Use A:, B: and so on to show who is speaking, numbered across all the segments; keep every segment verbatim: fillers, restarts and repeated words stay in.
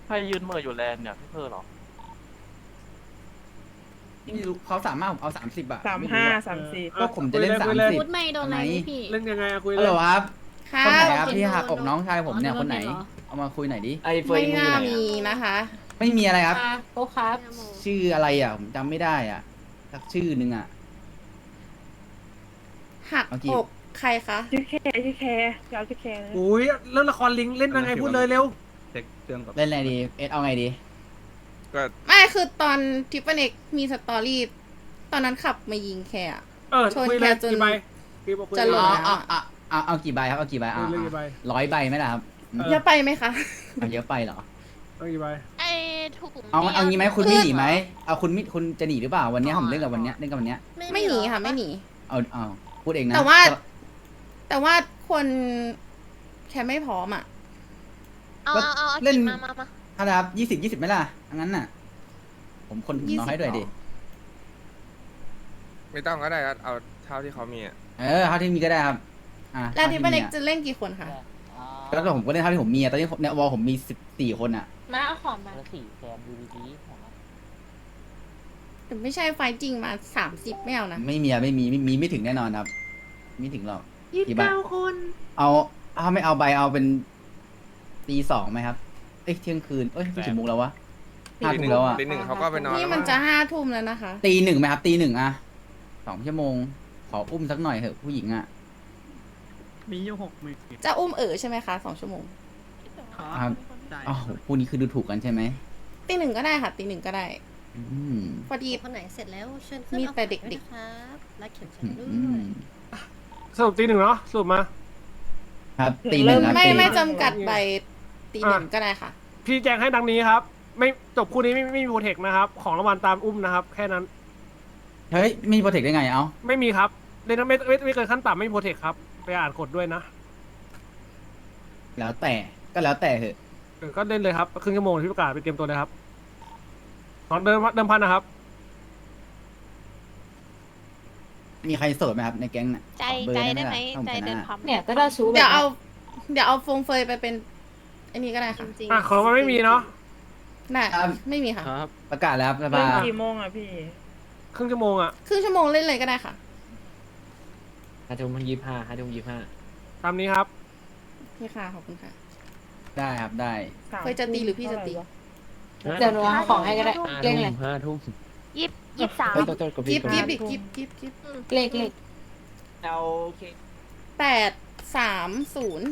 A: ใครยืนเหม่ออยู่แลนด์เนี่ยพี่เพอร์เหรอ
B: ไม่รู้เขาสามารถผมเอาสามสิบอะ
C: สาม
B: ไม่รู้
C: ห้า
B: อะ
C: สามสี่
B: ก็ผมจะเล่นสามสิบ
D: พูดไม่โดนอะไรนี่พี่
E: เล่นยังไงอะคุย
B: ฮั
E: เล
B: ลโหล
E: ย
B: ครับ
F: ค่ะ
B: คนไหนครับ
D: โดน
B: ที่หัก
D: โดน
B: อกน้องชายผมเนี่ย
D: อ๋อ
B: คนไหน
D: โดนเหรอ
B: เอามาคุยหน่อยดิ
G: ไอ้เฟย
F: ไม่
G: มึงอยู่
F: น่า
G: ไหน
F: มี
G: อะ
F: นะคะ
B: ไม่มีอะไรครับ
D: โอ้ครับ
B: ชื่ออะไรอ่ะผมจำไม่ได้อ่ะสักชื่อหนึ่งอ่ะ
F: หัก
B: เอากี่
F: อกใครคะ
C: ชื่อแคร์ชื่อแคร์จะเอาชื่อแคร์นะ
E: อุ้ยเรื่องละครลิงเล่นยังไงพูดเลยเร็ว
H: เช็คเครื่องก่อน
B: เล่นอะไรดีเอสเอาไงดี
H: ก็
F: ไม่คือตอนทิปเปอร์เน็กมีสตอรี่ตอนนั้นขับมายิงแคร์อะ
E: เออ
F: ชน
E: คุยเลย
F: แกจน
E: กี่ใบกี่บอกคุย
F: จะ
E: เลย
F: หล่
B: เอา
F: น
B: เอาเอาเอาเอากี่ใบครับเอากี่ใบ
E: คุ
B: เอา
E: ยเลยกี่ใบ
B: ร้อยใบไหมล่ะครับ
E: เออ
F: เยอะไปไหมคะ
B: เอาเยอะไปเหรอ
E: เอากี่ใบ
D: ไอ้ถุง
B: เอาเอางี้ไหมคุณ
F: คือ
B: ไม่หนีไหมเอาคุณมิคุณจะหนีหรือเปล่าวันเนี้ยผมเล่นกับวันเนี้ยเล่นกับวันเนี้ย
F: ไม่หนีค่ะไม่หนี
B: เอาเอาพูดเองนะ
F: แต่ว่า แต่ว่าคนแค่ไม่พร้อมอ่ะ
D: เอาเอาเอาเอา
B: เล่น
D: กินมามามา
B: ถ้าครับยี่สิบยี่สิบไหมล่ะงั้นน่ะ ผมคนน้อยให้ด้วยดิ
H: ไม่ต้องก็ได้ครับเอาเท่าที่เขามีอ่ะ
B: เออเท่าที่มีก็ได้ครับอ่ะ
F: แล้วทิปเปอร์เน็ก
B: ท่า
F: จะเล่นกี่คนคะ
B: ที่มีอะแล้วก็ผมก็เล่นเท่าที่ผมมีอะตอนนี้เนี่ยวอลผมมีสิบสี่คนอ่ะ
D: มาเอาของมา
G: สี่แซมดูดีๆ
F: แต่ไม่ใช่ไฟล์จริงมาสามสิบไม่เอานะ
B: ไม่มีอะไม่มีไม่มีไม่ถึงแน่นอนครับไม่ถึงหรอก
C: ยี่สิบเก้าคน
B: เอาถ้าไม่เอาใบเอาเป็นตีสองไหมครับ เอ้ยเที่ยงคืน เอ้ยไม่ถึงมุกแล้ววะห้า
H: ตี
B: ทุ่
H: ห
B: ม
H: นึ่ง
B: แล้วอ่ะ
H: ตีหนึ่งเขาก็ไปนอน
F: นี่
H: แล้ว
F: มัน
H: มั้ง
F: จะห้าทุ่มแล้วนะคะ
B: ตีหนึ่งไหมครับตีหนึ่งอะสองชั่วโมง ขออุ้มสักหน่อยเถอะผู้หญิงอ่ะ
I: มีอยู่หกหมื่น
F: จะอุ้มเอ๋อใช่ไหมคะสองชั่วโมง
B: ครับอ๋อผู้นี้คือดูถูกกันใช่ไหม
F: ตีหนึ่งก็ได้ค่ะตีหนึ่งก็ได้
B: อืม
F: พอดี
D: คนไหนเสร็จแล้วเชิญขึ้น
F: มีแต่
D: อาของ
F: เด็กๆ
D: วยนะครับและเข็มขัด
B: อื
D: ด้ว
B: ม
D: ย
E: สรุปตีหนึ่งเนาะสรุปมา
B: ครับตีหนึ่งครับ
F: ไม่
B: ตี
F: ไม่จำกัดใบตีหนึ่งก็ได้ค่ะ
E: พี่แจ้งให้ดังนี้ครับ ไม่จบคู่นี้ไม่ไม่มีโปรเทคนะครับ ของรางวัลตามอุ้มนะครับ แค่นั้น
B: เฮ้ยมีโปรเทคได้ไงเอ้า
E: ไม่มีครับเล่นไม่ไม่ไม่เกินขั้นต่ำไม่มีโปรเทคครับไปอ่านกฎด้วยนะ
B: แล้วแต่ก็แล้วแต่เถอะ
E: เออก็เล่นเลยครับครึ่งชั่วโมงที่ประกาศไปเตรียมตัวเลยครับของเดิมเดิมพันนะครับ
B: มีใครโสดไหมครับในแก๊งน่ะ
D: ใจ
B: ขอเบอร์
D: ใจ
B: ได้
D: ได้
B: ไห
D: ไห
B: ม
D: ม
B: ล่ะถ้าผม
D: ใจ
B: ช
D: เดิน
B: นะ
D: พัมเนี่ยก็ได้ชู
F: เดี๋ยวเอา เดี๋ยวเอาฟงเฟยไปเป็นอันนี้ก็ได้
D: จ
F: ค่ะ
D: ริง
E: อ่ะของมันไม่มีเนาะ
F: ได้ไม่มีค่ะ
G: ครับ
B: ประกาศแล้วครับส
C: เล่
B: ภาน
C: กี่โมงอ่ะพี่
E: ครึ่งชั่วโมงอ่ะ
F: ครึ่งชั่วโมงเล่นเลยก็ได้ค่ะ
G: ห้าทุ่มยี่สิบห้าห้าทุ่มยี่สิบห้า
E: ตามนี้ครับ
F: นี่ค่ะขอบคุณค่ะ
B: ได้ครับได้
F: เฟยจะตีหรือพี่จะตี
D: เดี๋ยวหนูเอาของให้ก็ได้
G: ห้า
D: เรีย
G: ทุ่
D: ง
G: ม
D: เลย
G: ห้าทุ่ม
D: ยี่สิบยี่สิบสาม
G: เฮ้ยตัวตัวกด
F: กิ
G: พี่
F: ฟ
G: กด
F: กิฟ
G: พี่
F: ดิกิฟกิฟกิฟ
D: เลขเลข
G: เอาโอเค
F: แปดสามศูนย์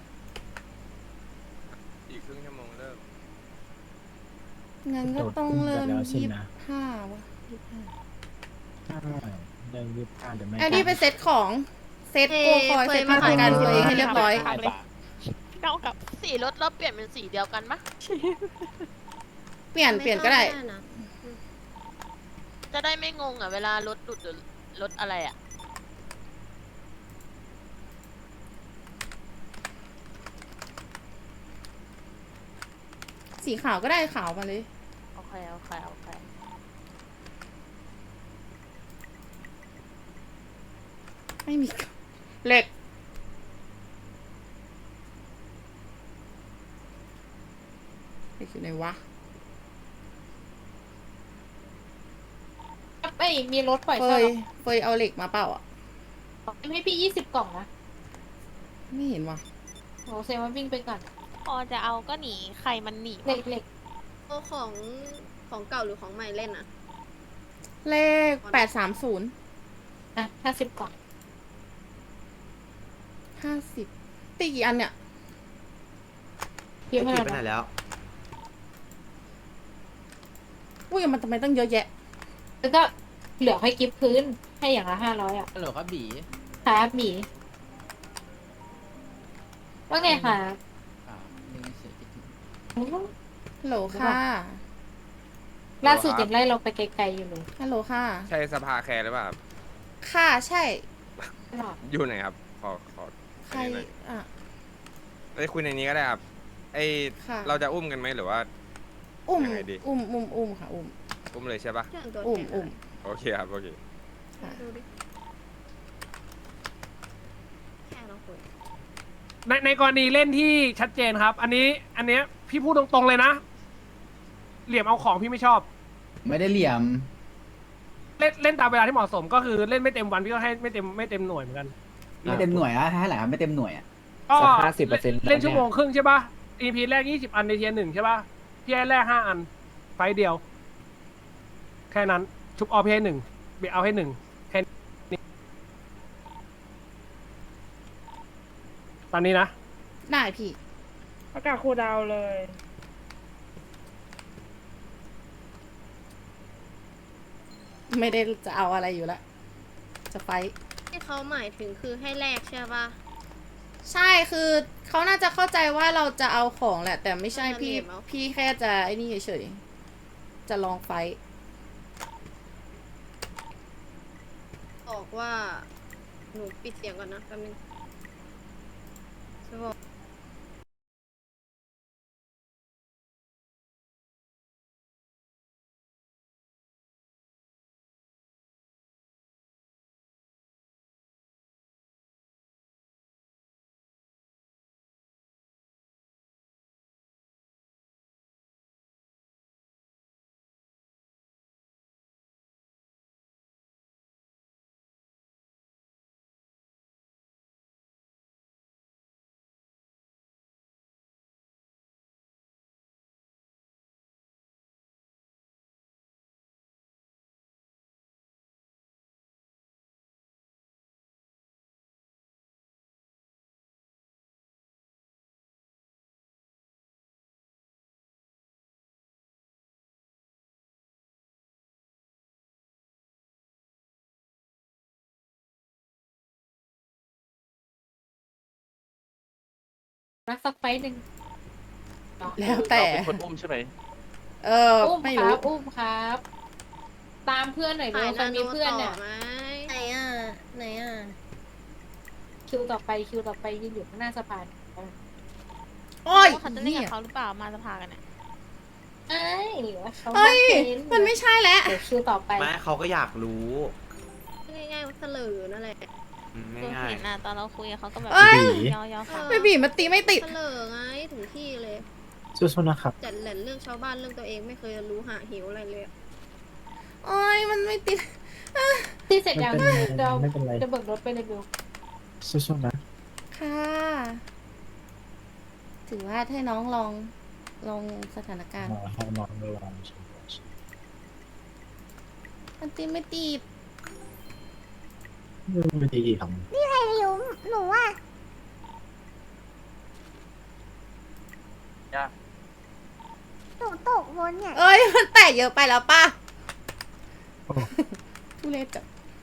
H: อีกครึ่งชั่วโมงเริ่ม
F: งั้นก็ต้องเริ่มยี่สิบห้าวะยี่สิบห้า
I: เดินยิบผ่านเดี๋ยวไม่
F: แอดดี้ไปเซตของเซตโกคอยเซตมาตรการตัวเองให้เรียบร้อย
D: เท่ากับสีรถเราเปลี่ยนเป็นสีเดียวกันมะ
F: เปลี่ยนเปลี่ยนก็ได้
D: จะได้ไม่งงอ่ะเวลารถหลุดหรือรถอะไรอ่ะ
F: สีขาวก็ได้ขาวมาเลย
D: โอเคโอเคโอเค
F: ไม่มีเหล็กเหล็กอยู่ไหนวะ
D: ไม่มีรถปล่อย
F: เฟ
D: เช่าย
F: เฟยเอาเหล็กมาเปล่าอ่ะ
D: ให้พี่ยี่สิบกล่องนะ
F: ไม่เห็นว่ะ
D: โหเซว่าวิ่งไปก่อนพอจะเอาก็หนีใครมันหนีเล็กเล็ก
J: โอของของเก่าหรือของใหม่เล่นอะ
F: เลขแปดสามศูนย์
D: อ่ะห้าสิบกล่อง
F: ห้าสิบตีกี่อันเนี่ย
D: เยอะขนาด
G: ไปไหน
D: นั้น
G: แล้ว
F: อุ้ยมันทำไมตั้งเยอะแยะ
D: แล้วก็เหลือให้กิฟต์พื้นให้อย่างละห้าร้อยอ่ะ
B: ฮัลโหลครับบี
D: ครับหมีว่าไงคะ
B: อ่าเล่นเฉยๆคิดถึง
F: ฮัลโหลค่ะ
D: ล่าสุดยังไล่เราไปไกลๆอยู่เลย
F: ฮัลโหลค่ะ
H: ใช่สภาแคร์หรือเปล่าครับ
F: ค่ะใช่
D: ตลอด
H: อยู่ไหนครับ ขอขอ
F: ใคร
H: อันนี้หน่อย
F: อ่ะ
H: ไอ้ยคุยในนี้ก็ได้ครับไอ
F: ค่ะ
H: เราจะอุ้มกันไหมหรือว่า
F: อุ้ม
H: ยังไงดี
F: อุ้มอุ้มอุ้มค่ะ อุ้ม
H: อุ้มเลยใช่ปะ
J: เรื่องตัว
F: อุ้ม
J: แทน
F: อุ้ม
H: โอเคครับโอเค
F: ค่ะ
J: ดูดิแค่เราคุย
E: ในในกรณีเล่นที่ชัดเจนครับ อันนี้อันเนี้ยพี่พูดตรงๆเลยนะเหลี่ยมเอาของพี่ไม่ชอบ
B: ไม่ได้เหลี่ยม
E: เล่นเล่นตามเวลาที่เหมาะสมก็คือเล่นไม่เต็มวันพี่ก็ให้ไม่เต็มไม่เต็มหน่วยเหมือนกัน
B: ไม่เต็มหน่วยอะให้หลายไม่เต็มหน่วยอะ
E: ก็
G: สักห้าสิบเปอร์เซ็นต์
E: เล่นชั่วโมงครึ่งใช่ป่ะ อี พี แรกยี่สิบอันในเทียร์หนึ่งใช่ป่ะพี่ให้แรกห้าอัน ไฟล์เดียว แค่นั้น ชุบออพี่ให้หนึ่งเบียเอาให้หนึ่งแค่นี้ตอนนี้นะ
F: ได้พี่
C: ประกาศครูดาวเลย
F: ไม่ได้จะเอาอะไรอยู่ละจะไฟท์
J: ที่เขาหมายถึงคือให้แลกใช่ป่ะ
F: ใช่คือเขาน่าจะเข้าใจว่าเราจะเอาของแหละ แต่ไม่ใช่
J: เอามา
F: พี่
J: เหลี่ยมเอา
F: พี่แค่จะไอ้นี่เฉยๆจะลองไฟท์
J: บอกว่าหนูปิดเสียงก่อนนะแป๊บนึงจะบอก
D: รักสักไฟหนึ่ง
F: แล้วแต่
A: เราเป็นคนอุ้มใช่ไหม
F: เออ
D: อุ้ม
F: ไม่
D: ค
F: รู้
D: รับอุ้มครับ ตามเพื่อนหน่อย
J: ถ่า
D: เร็
J: ยว
D: ใคร
J: นาโน
D: มีเพื่อน
J: ต่
D: เนี่
J: อย ไหม
D: ไหนอ่ะไหนอ่ะคิวต่อไปคิวต่อไปยืนอยู่ข้างหน้าสะพาน
F: โอ้ย
D: เขาจะเล่นกับเขาหรือเปล่ามาสภากันเนี่ยเอ้ยเขา
F: เฮ้ย
D: เป็น
F: มันไม่ใช่แล้ว
D: เดี๋ยวคิวต่อไป
K: ไม่เขาก็อยากรู้
J: ง่ายๆเสลอนั่นแหละ
K: อืม
D: ตัว
K: ง่าย
D: เห็นน่ะตอนเราคุยกับเขาก็แบบ
F: เอ้ย
D: ยอยอค่ะ
F: ไม่บีบมันตีไม่ติด
J: เสลอไงถึงที่เลย
I: สู้ๆนะครับ
J: จัดแหล่นเรื่องชาวบ้านเรื่องตัวเองไม่เคยรู้หาหิวอะไรเลย
F: โอ้ยมันไม่ติด
D: ที่เสร็จยัง
I: ไม่เป็นไร
D: เรา
I: ไม่เป็นไร
D: จะเบิกรถไปเลยบิว
I: สู้ๆนะ
F: ค่ะ ถือว่าให้น้องลองลองสถานการณ์
I: มาให้น้องเวลาใช่ไหม
F: มันตีไม่ติด
I: ไม่ดีกี่ค
F: หนูว่า
A: ยาก
F: หนูตกบนเนี่ย เอ้ย มันแตะเยอะไปแล้วป่ะทุเรศจัง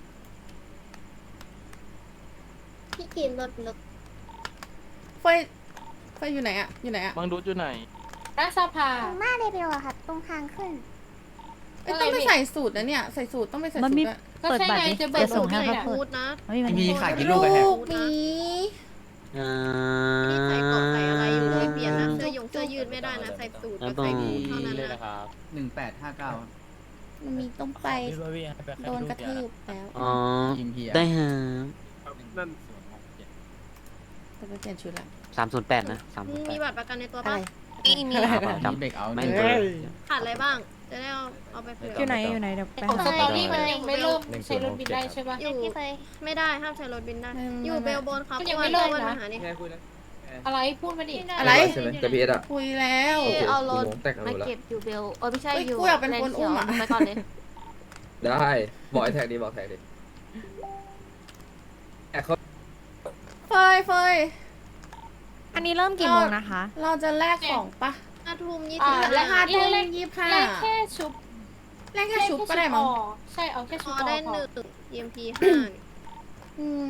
J: พี่กินรถรถ
F: ไฟไฟอยู่ไหนอะอยู่ไหนอะ
A: บังดูดอยู่ไหน
D: หน้าสภา
F: หน้าเรเบลอะค่ะ ตรงทางขึ้นไอ้ยต้องไปใส่สูตรนะเนี่ย ใส่สูตรต้องไปใส่สูตรอะ
D: ก็ใช่ไงจะเบิกรถเลยอ่ะ
J: พูดนะ
B: มีขาดกี่ลูกไปแฮะ
F: ลูกหมี
K: ๆอ่
J: ไม่ใส่เกาะใส่อะไรอยู่เลย
K: า
J: เปลี่ยนนะเสื้อยงเสื้อยืดไม่ได้นะใส่สูทกับใส่บูทเท่านั้นนะ
B: หนึ่งแปดห้าเก้า
F: มันมีต้องไปโดนกระทืบแล้ว
K: อ๋อ
B: ทีมเพีย
K: ได้ฮะ
E: นั่น
F: แต่ไปเปลี่ยนชุดละ
K: สามศูนย์แปดนะสาม
J: มึ
K: ศู
J: ง
K: นย์แป
J: มี
K: ด
J: บัตรประกันในตัว
F: อะ
J: ปะ
F: ไร
D: ไม่มี
B: จำเบรกเอา
K: ไม่
B: หนึ่ง
K: เจอ
J: ขาดอะไรบ้าง จะได้เอาเอาไปเผื่อ
C: อยู่ไหนอยู่ไหนเดี๋ยวไป
D: ของส
C: หา
D: ตอรี่มันยังไม่เริ่มใช้รถบินได้ใช่ปะ
J: อยู่ไม่ได้ห้ามใช้รถบินได้ อยู่เบลบนครับ
D: มันยังไม่เริ่มนะ
J: หานี่
D: อะไรพูดมาดิ
F: อะไร
K: จะพีเอสอ่ะ
F: คุยแล้ว
J: เอารถ
K: แต่งรู้แล้ว
J: เก็บอยู่เบลเออไม่ใช่
F: เฮ้ย
J: อยู่
F: กูอยากเป็นคนอุ้มอะ
J: ไปก่อนเลย
K: ได้บอกไอ้แท็กดีบอกแท็กดีแท็กเขา
F: เฟยเฟย
C: อันนี้เริ่มกี่โมงนะคะ
F: เราจะแลกของปะ
J: ห้าทุ่มยี่
D: อ่า
J: สิบ
D: และ
F: ห้า
D: ห้า
F: ทุ่
D: ทุ่
F: ม
D: ม
F: ยี่สิบห้า
D: แรกแค่ชุบ
F: แลกแค่ชุบก็ได้มั้ง
D: แค่ชุบใช่เอาแค่
J: พ
D: ชุบ
J: อ
D: พอ
J: ได้
D: พอ
J: หนึ่ง อี เอ็ม พี ห้า
F: อืม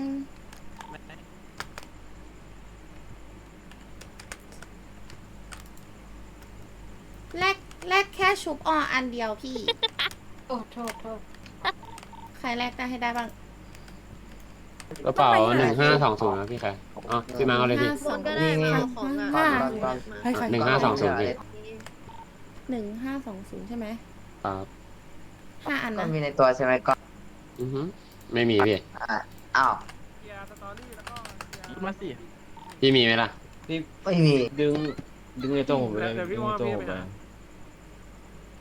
F: แลกแลกแค่ชุบอออันเดียวพี่
D: โอ้โทษโทษ
F: ใครแลกได้ให้ได้บ้าง
G: กระเป๋าหนึ่งห้าสองศูนย์นะพี่ใครอ๋อพี่มาเอาเลยพี่
J: บนก็ได้มาเอาของอ่ะ
F: ห้า
J: มา
F: ให้ใคร
G: หนึ่งห้าสองศูนย์พี่
F: หนึ่งห้าสองศูนย์ใช่ไหม
G: ครับ
F: ห้าอันนะ
K: มีในตัวใช่ไหมก็
G: อือฮึไม่มีพี่
K: อ้าว
E: เคลียร์สตอรี่แล้วก็เคลีย
A: พูด
E: ร์
A: มาสิ
G: พี่มีไหมล่ะ
K: ไม่มี
G: ดึงดึงในตัวผมไปเลย
E: เดี๋ยวพี่
G: ดึง
E: ว่า
G: ในตัว
E: พี่
G: ผม
E: ไป
G: ไป
E: หา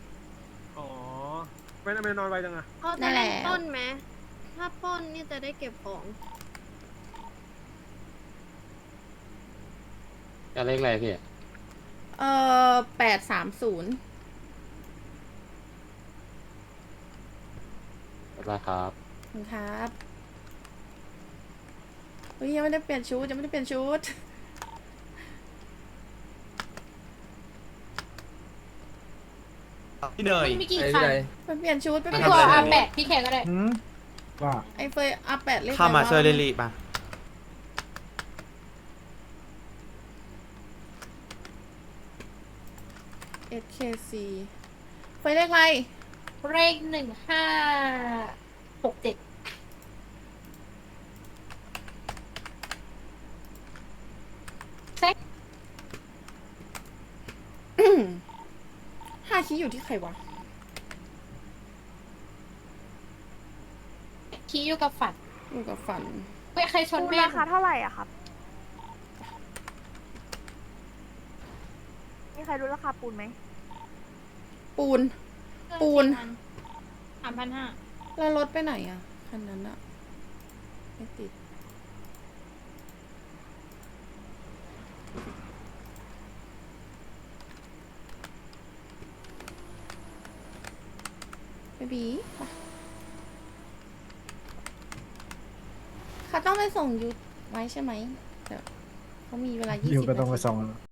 E: ไม่ไม่นอนไวจังอะ
J: เขาจะเล่นปล้นไหมถ้าปล้นนี่จะได้เก็บของ
G: จะเลขอะไรพี่
F: เอ่อแปดสามศูนย์
G: บ๊ายบายครับ
F: ครับเฮ้ยยังไม่ได้เปลี่ยนชุดยังไม่ได้เปลี่ยนชุด
K: พี่เนย
D: มีกี่คัน
F: ไปเปลี่ยนชุดไปเป
D: พี่
F: ลี่ยน
D: ตัว
F: ชุ
D: อา
F: ด
D: แปดพี่แขกก็ได้
I: หืมว่า
F: ไอ้เฟยอาแปดเลข
K: เข้ามาช่วยเร
F: อะไร
K: ลี่ป่ะ
F: เอสเคซีเฟยเลขอะไร
D: เลขหนึ่งห้าหกเจ็ด
F: ห้าชี้อยู่ที่ใครวะ
D: คีอยู่กับฝัน
F: อยู่กับฝัน
D: เว้ยใครชน
C: ปูน
D: แม่
C: ราคาเท่าไหร่อะครับมีใครรู้ราคาปูนไหม
F: ปูน ปูน
D: สามพันห้า
F: แล้วรถไปไหนอ่ะ คันนั้นอ่ะ ไม่ติด เบบีไปเขาต้องไปส่งยุทธไว้ใช่ไหมเดี๋ยวเขามีเวลายี่
I: อยู่
F: สิบ
I: ก็ต้องไป
F: นาที
I: ส่ง